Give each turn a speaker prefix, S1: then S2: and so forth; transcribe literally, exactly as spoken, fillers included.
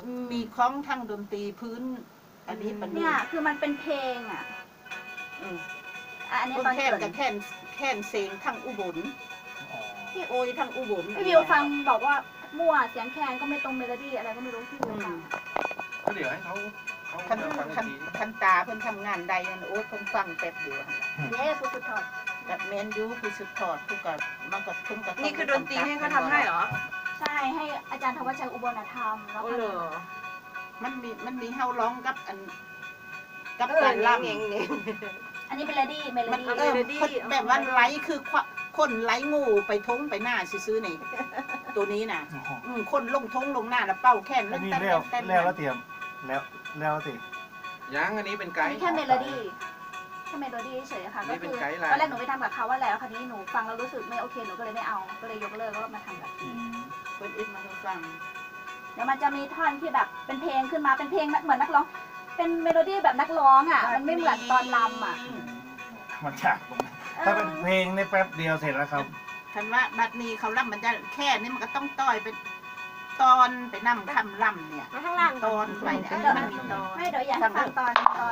S1: มีคล้องทางดนตรีพื้น อันนี้ปัน
S2: เนี่ยคือมันเป็นเพลงอ่ะ
S1: อืม
S2: อ่ะอันนี้
S1: เพิ่
S2: ตอน
S1: งแค่น
S2: เกิ
S1: กับ
S2: ด
S1: แค่นแค่นเสียงทางอุบล
S3: อ๋อ
S1: ที่โอยทางอุบล
S2: พี่วิวฟังบอกว่ามั่วเสียงแคนก็ไม่ตรงเมโลดี้อะไรก็ไม่รู้พี่วิวฟัง
S3: ก็เดี๋ยวให้เขาเขา
S1: คัน
S3: ฟัง
S1: คัน
S3: ที
S1: คันตาเพิ่นทำงานใดนั่นโอ้ยเพิ่นฟังแป๊บเดียว
S2: เย้คุณสุดทอด
S1: กับแมนยูคือสุดทอดคือกับมันก็เพิ่นก็ต้ง
S4: นี่คือดนตรีให้เขาทำให้เหรอ
S2: ใช่ให้อาจารย์ธวัชชัยอุบลธรรมแล้ว
S4: โอ้
S2: ก็
S4: เหรอ
S1: มันมีมันมีเฮาร้องกับอันกับ
S4: เออ
S1: การล่ำ
S4: เงี้ยเงี้ย
S2: อันนี้เป็นเมโลดี้เมโล
S1: มัน
S2: ดี้
S1: เออคนแบบว่าไลค์คือคนไลค์งูไปทงไปหน้าซื้อๆนี่ตัวนี้น่ะ
S3: อ๋อ
S1: อืมคนลงทงลงหน้าแล้วเป้าแค่น
S3: อันนี้
S1: เต้น
S3: แล้ว
S1: เต้น
S3: แล้วแล้วเตรียมแล้วแล้วสิ
S5: ยังอันนี้เป็นไก
S2: อัน
S5: ด์
S2: นี้แค่เมโลดี้แค่เมโลดี้เฉยๆค่ะ
S5: อันนี้
S2: ก็
S5: เป็
S2: คื
S5: น
S2: อ
S5: ไกด์ไลน์
S2: ตอนแรกหนูไปทำกับเขาว่าแล้วคราวนี้หนูฟังแล้วรู้สึกไม่โอเคหนูก็เลยไม่เอาก็เลยยกเลิกแล้วก็มาทำแบบ
S3: อืม
S1: เพิ่นอิดมาให้ฟัง
S2: เดี๋ยวมันจะมีท่อนที่แบบเป็นเพลงขึ้นมาเป็นเพลงเหมือนนักร้องเป็นเมโลดี้แบบนักร้องอ่ะมันไม่เหมือนตอนรำอ่ะ
S3: อืมมันฉากตรงนั้นถ้าเป็นเพลงในแป๊บเดียวเสร็จแล้วครับ
S1: คันว่าบัดนี้เขาล่ำมันจะแค่นี้มันก็ต้องต้อยเป็นตอนไปนำคำล่ำเนี่ย
S4: มาข้างล่าง
S1: ตอนไปเนี่ยเออมันมีตอน
S2: ไม่เดี๋ยวอยากให้ฟังตอนตอน